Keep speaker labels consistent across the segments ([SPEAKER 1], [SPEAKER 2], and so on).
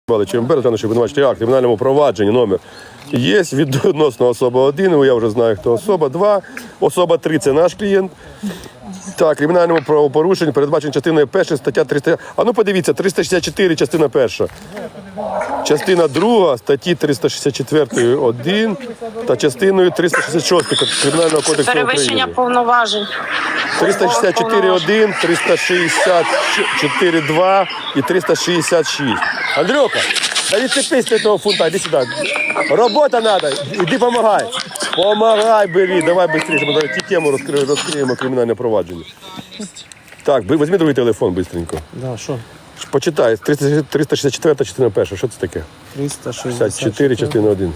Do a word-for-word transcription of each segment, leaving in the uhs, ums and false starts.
[SPEAKER 1] ЧМБ, що обвинувачений акт, кримінальному провадженні номер є відносно особа один, я вже знаю, хто особа, два, особа три – це наш клієнт. Так, кримінальному правопорушенню передбачено частиною першою стаття триста. А ну подивіться, триста шістдесят чотири, частина перша. Частина друга статті триста шістдесят чотири один та частиною триста шістдесят шість Кримінального кодексу України.
[SPEAKER 2] Перевищення повноважень.
[SPEAKER 1] триста шістдесят чотири один, триста шістдесят чотири два і триста шістдесят шість. Андрюха, да відцепись від того фунта, іди сюди. Робота треба, іди помагай. Помагай, бери, давай швидше, ми зараз ті тему розкриємо, розкриємо кримінальне провадження. Так, візьми другий телефон швидко.
[SPEAKER 3] Да, що?
[SPEAKER 1] Почитай, триста шістдесят чотири частина перша, що це таке?
[SPEAKER 3] триста
[SPEAKER 1] шістдесят чотири частина один.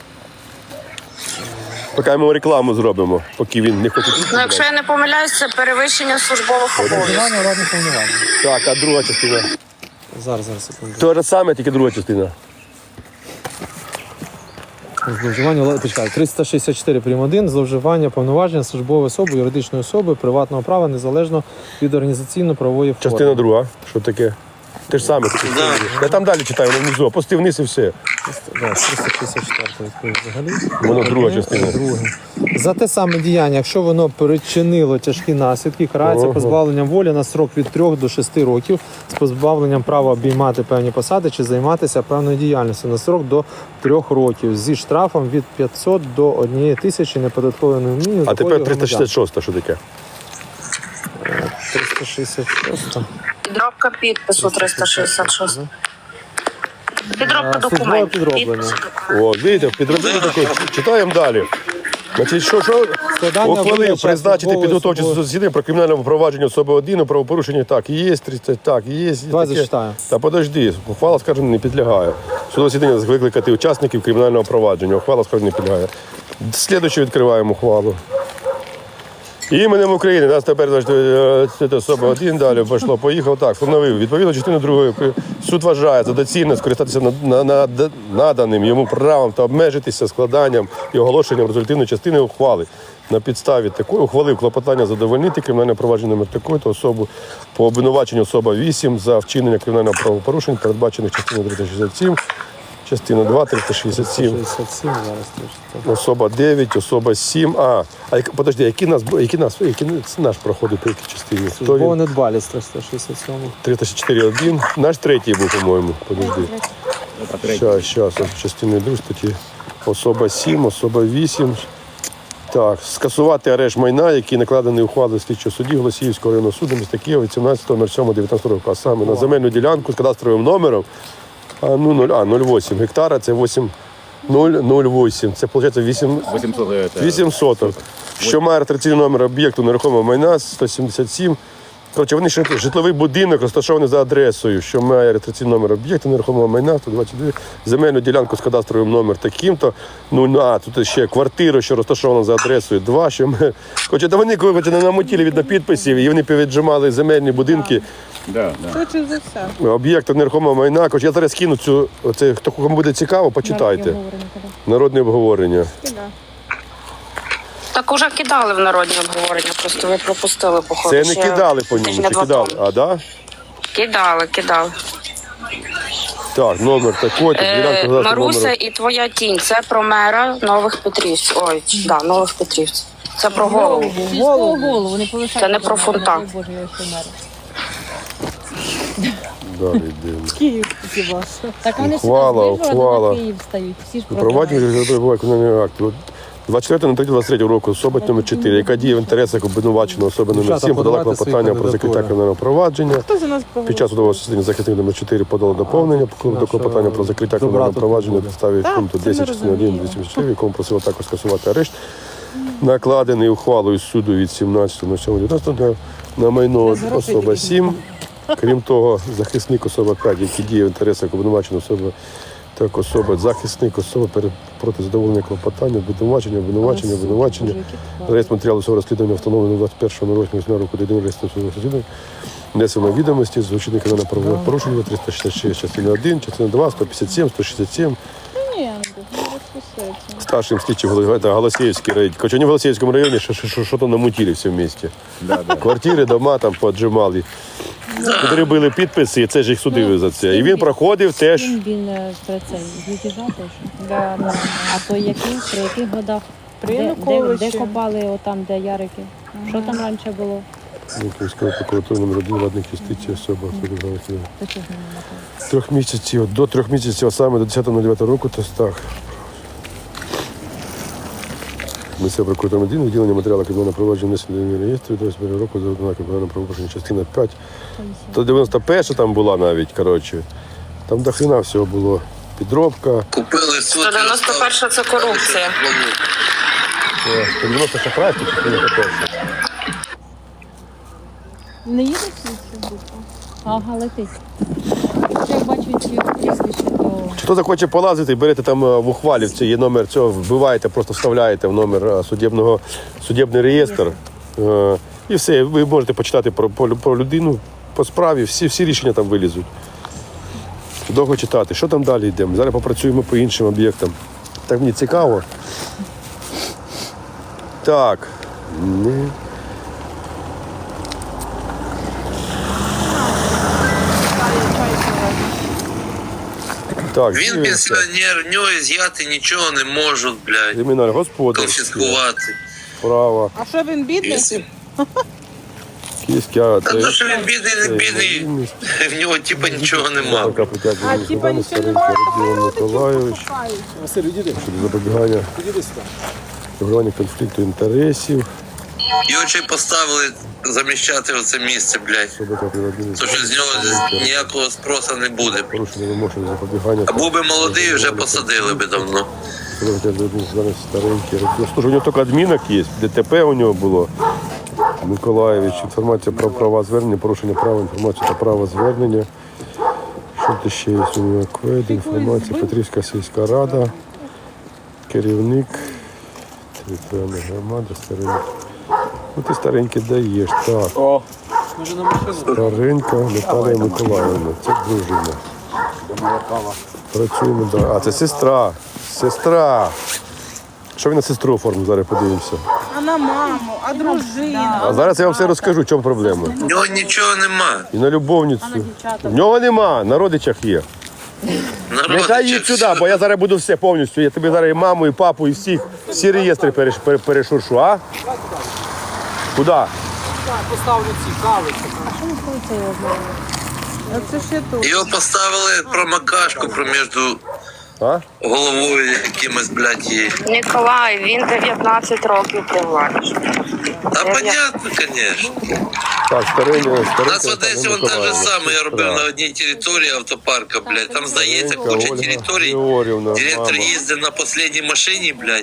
[SPEAKER 1] Поки ми рекламу зробимо, поки він не хоче.
[SPEAKER 2] Ну, якщо я не помиляюсь, це перевищення службових обов'язків.
[SPEAKER 1] Так, а друга частина?
[SPEAKER 3] Зараз, зараз, секунду.
[SPEAKER 1] Те ж саме, тільки друга частина.
[SPEAKER 3] Зловживання, почекай, триста шістдесят чотири прим. один, зловживання повноваження службової особи, юридичної особи, приватного права, незалежно від організаційно-правової форми.
[SPEAKER 1] Частина друга, що таке? Те ж саме. Я там далі читаю, внизу, опусти вниз і все.
[SPEAKER 3] Да, триста шістдесят чотири взагалі.
[SPEAKER 1] Воно друга частина.
[SPEAKER 3] Друге. За те саме діяння, якщо воно причинило тяжкі наслідки, карається
[SPEAKER 1] Ого.
[SPEAKER 3] позбавленням волі на строк від трьох до шести років з позбавленням права обіймати певні посади чи займатися певною діяльністю на строк до трьох років зі штрафом від п'ятсот до однієї тисячі неподаткової мінімум.
[SPEAKER 1] А тепер триста шістдесят шість, що таке?
[SPEAKER 3] триста шістдесят шість.
[SPEAKER 2] Підробка підпису триста шістдесят шість. Підробка
[SPEAKER 3] Службове
[SPEAKER 2] документів.
[SPEAKER 3] підроблення.
[SPEAKER 2] Підпису документів.
[SPEAKER 1] О, видите, підробили таке. Читаємо далі. Значить, що, що?
[SPEAKER 3] Складання
[SPEAKER 1] Ухвалив
[SPEAKER 3] вилучення
[SPEAKER 1] призначити
[SPEAKER 3] службової
[SPEAKER 1] підготовче
[SPEAKER 3] особи.
[SPEAKER 1] засідання про кримінальне провадження особи один, правопорушення, так, є, тридцять, так, є.
[SPEAKER 3] Давай
[SPEAKER 1] таке.
[SPEAKER 3] зачитаю.
[SPEAKER 1] Та подожди, ухвала, скажімо, не підлягає. Судове засідання викликати учасників кримінального провадження. Ухвала, скажімо, не підлягає. Слідуючу відкриваємо ухвалу. Іменем України, нас тепер значить, особа один, далі пішло, поїхав, так, встановив. Відповідно, частину другої суд вважає за доцільне скористатися на, на, на, наданим йому правом та обмежитися складанням і оголошенням результативної частини ухвали. На підставі такої ухвалив клопотання задовольнити кримінальне провадження номер такої-то особу по обвинуваченню особа вісім за вчинення кримінального правопорушень, передбачених частиною триста шістдесят сім, частина два, триста шістдесят сім.
[SPEAKER 3] шістдесят сім зараз теж.
[SPEAKER 1] Особа дев'ять, особа сім. А, а як- подожди, який нас, який нас, який наш проходить по якій частині? Хто
[SPEAKER 3] Службова
[SPEAKER 1] він?
[SPEAKER 3] недбалість триста шістдесят сім.
[SPEAKER 1] триста шістдесят чотири один. Наш третій був, по-моєму. Подожди. Щас, щас, частини друг статті. Особа сім, особа вісім. Так, скасувати арешт майна, який накладений ухвалою слідчого судді Голосіївського районного суду міста Києва від сімнадцятого сьомого дев'ятнадцятого року, а саме на земельну ділянку з кадастровим номером а, ну, нуль, а, нуль вісім гектара, це вісім нуль нуль вісім. Це, виходить, вісім, вісім соток. Що має реєстраційний номер об'єкту нерухомого майна сто сімдесят сім. Коротше, вони ще житловий будинок розташований за адресою, що має реєстраційний номер об'єкту нерухомого майна сто двадцять два, земельну ділянку з кадастровим номер таким-то. Ну, а тут ще квартира, що розташована за адресою два, що ми... Коротше, та вони коротше, не намотіли від підписів, і вони повіджимали земельні будинки.
[SPEAKER 4] Да, да.
[SPEAKER 5] Швидше за все.
[SPEAKER 1] Об'єкти нерухомого майна. Коротше, я зараз кину цю, оце, хто кому буде цікаво, почитайте. Народне обговорення.
[SPEAKER 2] Так уже кидали в народні обговорення, просто ви пропустили, походу.
[SPEAKER 1] Це не
[SPEAKER 2] ще
[SPEAKER 1] кидали по ньому,
[SPEAKER 2] тижня
[SPEAKER 1] чи
[SPEAKER 2] два
[SPEAKER 1] кидали?
[SPEAKER 2] тому.
[SPEAKER 1] А, да?
[SPEAKER 2] Кидали, кидали.
[SPEAKER 1] Так, номер такий,
[SPEAKER 2] Е,
[SPEAKER 1] ділянка кадастрового
[SPEAKER 2] Маруся
[SPEAKER 1] номеру.
[SPEAKER 2] і твоя тінь. Це про мера Нових Петрівців. Ой, да, Нових Петрівців. Це про голову.
[SPEAKER 5] Голову, голову, не полишайте.
[SPEAKER 2] Це не про фунта.
[SPEAKER 5] Боже, я ще мер.
[SPEAKER 1] Далі йдемо.
[SPEAKER 5] Київ хіба що. Так вони
[SPEAKER 1] Ухвала,
[SPEAKER 5] всі з
[SPEAKER 1] ухвала.
[SPEAKER 5] Вижгорода на Київ стають. Всі ж
[SPEAKER 1] Провадження
[SPEAKER 5] програють.
[SPEAKER 1] перебуває виконання акту. двадцять четвертого третього двадцять третього року особа номер чотири, яка діє в інтересах обвинуваченої особи номер
[SPEAKER 3] Дівчата,
[SPEAKER 1] сім, подала
[SPEAKER 3] подавайте свої
[SPEAKER 1] клопотання про закриття
[SPEAKER 3] кандидатури.
[SPEAKER 1] кримінального провадження.
[SPEAKER 5] Хто за нас
[SPEAKER 1] Під
[SPEAKER 5] проводить?
[SPEAKER 1] час судового засідання захисник номер чотири подала доповнення до клопотання про закриття кримінального
[SPEAKER 3] добра
[SPEAKER 1] провадження на
[SPEAKER 3] тут
[SPEAKER 1] підставі
[SPEAKER 5] Так,
[SPEAKER 1] пункту
[SPEAKER 5] це ми
[SPEAKER 1] десять частини один
[SPEAKER 5] розуміємо.
[SPEAKER 1] двісті чотири, в якому просила також скасувати арешт, накладений ухвалою суду від сімнадцятого сьомого дев'ятнадцятого на майно особа сім. Крім того, захисник особа п'ять, який діє в інтересах обвинуваченої особи, так особа, захисник особи перед- проти задоволення клопотання, обвинувачення, обвинувачення, обвинувачення. Реєстр матеріалу свого розслідування встановлено двадцять першого року року до єдиного реєстру судового розслідування. Внесено відомості з учинника на правове порушення триста шістдесят шість, частина один, частина два, сто п'ятдесят сім, сто шістдесят сім.
[SPEAKER 5] Ні,
[SPEAKER 1] Старшим слідчим Гол- це Голосіївський район. Короче, вони в Голосіївському районі що, що, що то намутили все вместе. Квартири, дома там поджимали. Підробили підписи, і це ж їх судили за це. І він проходив теж.
[SPEAKER 5] Він, він е, про це з мятежа теж. Да, да. А то який, при яких годах?
[SPEAKER 4] При
[SPEAKER 5] Де, де,
[SPEAKER 4] Януковичі.
[SPEAKER 5] де копали отам, де Ярики? Що там раніше було?
[SPEAKER 1] Київської прокуратури номер один, владник юстиції, особа.
[SPEAKER 5] До чого не напевно?
[SPEAKER 1] Трьох місяців, до трьох місяців, а саме до десятого дев'ятого року, то так. Місцева прокуратура один, виділення матеріалу кримінального провадження внесення реєстру від двадцять першого року за однаково кримінального правопорушення, частина п'ять. То дев'яносто перша там була навіть, коротше. Там до хрена всього було. Підробка.
[SPEAKER 6] Купили
[SPEAKER 2] сто дев'яносто перша це корупція.
[SPEAKER 1] сто дев'яносто шахрайство, чи сто дев'яносто перша.
[SPEAKER 5] Не їде цю букву? Ага, летить. Як бачу ці прізвище, то...
[SPEAKER 1] Хто захоче полазити, берете там е, в ухвалівці, є номер цього, вбиваєте, просто вставляєте в номер е, судебного, судебний реєстр. Е, І все, ви можете почитати про, про, про людину, по справі, всі, всі рішення там вилізуть. Довго читати. Що там далі йдемо? Зараз попрацюємо по іншим об'єктам. Так мені цікаво. Так. Не. Так,
[SPEAKER 6] Він
[SPEAKER 1] дивимося.
[SPEAKER 6] пенсіонер, в нього з'яти нічого не можуть, блядь.
[SPEAKER 1] Кримінальний господар.
[SPEAKER 6] Конфіскувати.
[SPEAKER 1] Право.
[SPEAKER 4] А що він бідний?
[SPEAKER 6] Якщо-
[SPEAKER 1] Київська.
[SPEAKER 6] Та то, що він бідний, не бідний, в нього типа нічого нема.
[SPEAKER 4] А, типа, нічого немає.
[SPEAKER 1] Родіон Миколайович. Щодо запобігання регулювання конфлікту інтересів.
[SPEAKER 6] Його ще й поставили заміщати оце місце, блядь.
[SPEAKER 1] Особика приватної
[SPEAKER 6] То що з нього ніякого спросу не буде.
[SPEAKER 1] порушення вимог щодо запобігання.
[SPEAKER 6] А був би молодий, вже посадили би давно.
[SPEAKER 1] Зараз старенький. Ну, слушай, у нього тільки адмінок є, ДТП у нього було. Миколаєвич, інформація про права звернення, порушення права, інформація та право звернення. Що тут ще є у нього? Квед, інформація, Петрівська сільська рада, керівник, територіальна громада, старенький. Ну ти старенький даєш, так.
[SPEAKER 3] О, може на машину?
[SPEAKER 1] Старенька Наталія Миколаївна, це дружина. Працюємо, да. А це сестра, сестра. Що він на сестру оформив, зараз подивимося.
[SPEAKER 4] А на маму, а дружина.
[SPEAKER 1] А зараз я вам все розкажу, в чому проблема.
[SPEAKER 6] В нього нічого нема.
[SPEAKER 1] І на любовницю. В нього нема, на родичах є. Нехай їдь сюди, бо я зараз буду все повністю. Я тобі зараз і маму, і папу, і всіх, всі реєстри переш, пере- перешуршу, а? Куди?
[SPEAKER 3] Поставлю ці кави.
[SPEAKER 4] А це ще тут.
[SPEAKER 6] Його поставили промокашку проміж
[SPEAKER 1] А?
[SPEAKER 6] головою якимось, блядь, її.
[SPEAKER 2] Ніколай, він дев'ятнадцять років при владі.
[SPEAKER 6] Та понятно, конечно.
[SPEAKER 1] Так, старення,
[SPEAKER 6] У
[SPEAKER 1] старенька.
[SPEAKER 6] нас в Одесі вон те же саме, я робив на одній території автопарка, блядь. Там здається куча територій.
[SPEAKER 1] Георгіївна,
[SPEAKER 6] Директор
[SPEAKER 1] мама.
[SPEAKER 6] їздив на останній машині, блядь.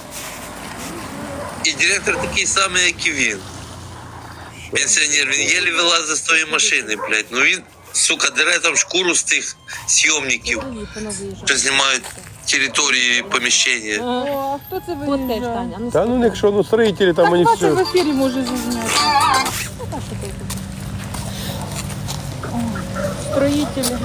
[SPEAKER 6] І директор такий самий, як і він. Пенсіонер, він єлі вилазить з тої машини, блядь. Ну він, сука, дере там шкуру з тих зйомників, що знімають території і поміщення.
[SPEAKER 4] О, а хто це
[SPEAKER 5] От теж,
[SPEAKER 4] виїжджає?
[SPEAKER 5] Таня. Ну,
[SPEAKER 1] Та ну якщо ну строїтелі там
[SPEAKER 4] Так
[SPEAKER 1] вони
[SPEAKER 4] бачу, в
[SPEAKER 1] все.
[SPEAKER 4] ефірі може зазняти. Строїтелі.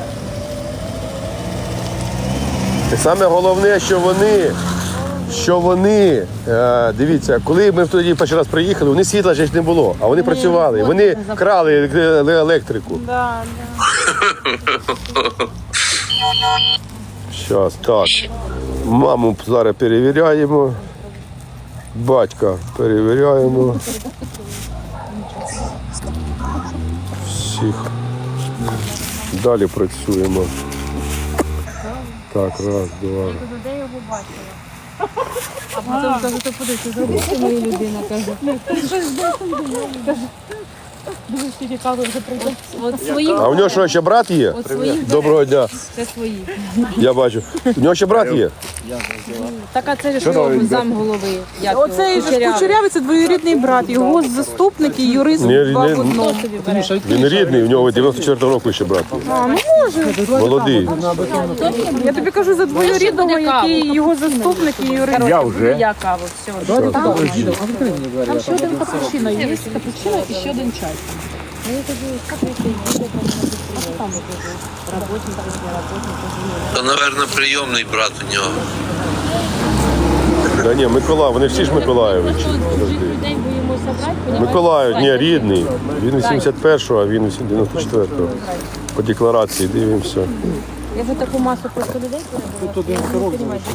[SPEAKER 1] І саме головне, що вони, що вони, е, дивіться, коли ми тоді перший раз приїхали, вони світла ж не було, а вони працювали, вони крали е- електрику.
[SPEAKER 4] Да, да.
[SPEAKER 1] Зараз, так. Маму зараз перевіряємо. Батька перевіряємо. Всіх. Далі працюємо. Так, раз, два.
[SPEAKER 5] де його бачила? А потім каже, то подивися, зробити мою людину, каже. Каже, дуже стільки кави вже прийде. От свої,
[SPEAKER 1] А у нього що, ще брат є?
[SPEAKER 5] от свої
[SPEAKER 1] Доброго дня.
[SPEAKER 5] це свої.
[SPEAKER 1] Я бачу. У нього ще брат є?
[SPEAKER 5] Так, а це ж його зам голови. Як його?
[SPEAKER 4] Оцей же
[SPEAKER 5] Кучерявий.
[SPEAKER 4] Кучерявий – це двоюрідний брат. Його заступник і юрист
[SPEAKER 1] Ні,
[SPEAKER 4] два
[SPEAKER 1] ні.
[SPEAKER 4] в одному.
[SPEAKER 5] Хто собі бере?
[SPEAKER 1] Він рідний, у нього дев'яносто четвертого року ще брат.
[SPEAKER 4] А, ну може.
[SPEAKER 1] Молодий.
[SPEAKER 4] Я тобі кажу за двоюрідного, який його заступник і юрист.
[SPEAKER 5] Я вже. Я каву, все. Там, там ще один капучино є, капучино і ще один чай. Ну, я кажу, як ви це? А що там ви кажу? Работник, не работник, кажу, ні.
[SPEAKER 6] То, напевно, прийомний брат у нього.
[SPEAKER 1] Да ні, Миколаїв, вони всі ж Миколаєвичі. Подожди.
[SPEAKER 5] День боїмося брати, понімаєш?
[SPEAKER 1] Миколаїв, ні, рідний. Він вісімдесят першого, а він дев'яносто четвертого. По декларації дивимося.
[SPEAKER 5] Я вже таку масу просто людей перебувала.
[SPEAKER 3] Тут один сорок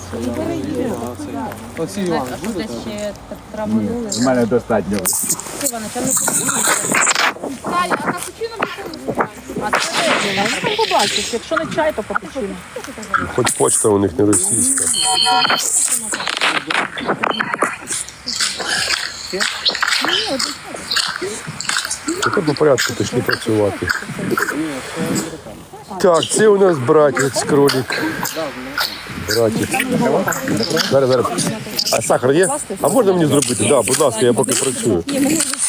[SPEAKER 3] Олексій
[SPEAKER 5] Так,
[SPEAKER 3] Іванович,
[SPEAKER 5] а що десь ще так травманули?
[SPEAKER 7] У мене достатньо.
[SPEAKER 5] Івана, там не потрібно.
[SPEAKER 4] Таля, а капучино
[SPEAKER 5] А це де?
[SPEAKER 4] ну, там побачиш. Якщо не чай, то капучино.
[SPEAKER 1] Хоч почта у них не російська. Тепер по порядку пішли працювати. Так, це у нас братець кролик. Братець. Зараз, зараз. А сахар є? А можна мені зробити? Так, да, будь ласка, я поки працюю.